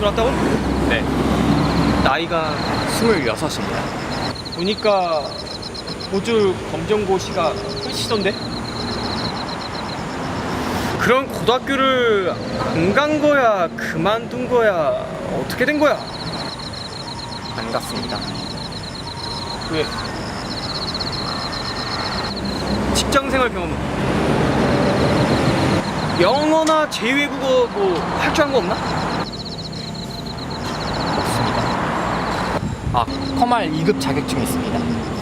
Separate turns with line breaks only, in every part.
들어왔다고?
네.
나이가
26입니다.
보니까 고졸 검정고시가 끝이던데? 그럼 고등학교를 안 간 거야? 그만둔 거야? 어떻게 된 거야?
안 갔습니다.
왜? 직장생활 경험은? 영어나 제2외국어 뭐 할 줄 아는 거 없나?
없습니다. 아, 커말 2급 자격증이 있습니다.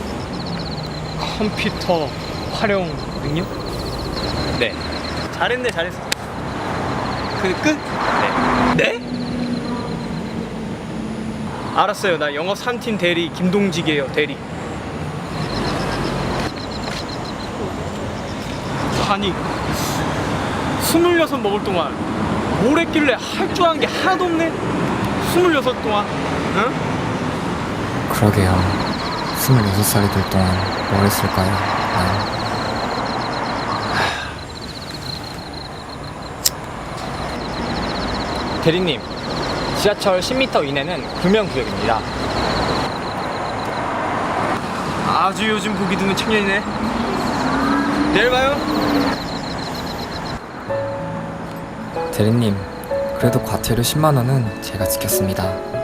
컴퓨터 활용 능력?
네.
잘했네, 잘했어. 그 끝?
네.
네? 알았어요. 나 영업 3팀 대리 김동직이에요. 대리. 아니 26 먹을 동안 뭘 했길래 할 줄 아는 게 하나도 없네. 26 동안. 응?
그러게요. 26살이 될 동안 뭘 했을까요?
대리님, 지하철 10m 이내는 금연구역입니다.
아주 요즘 보기 드문 청년이네. 내일 봐요.
대리님, 그래도 과태료 10만 원은 제가 지켰습니다.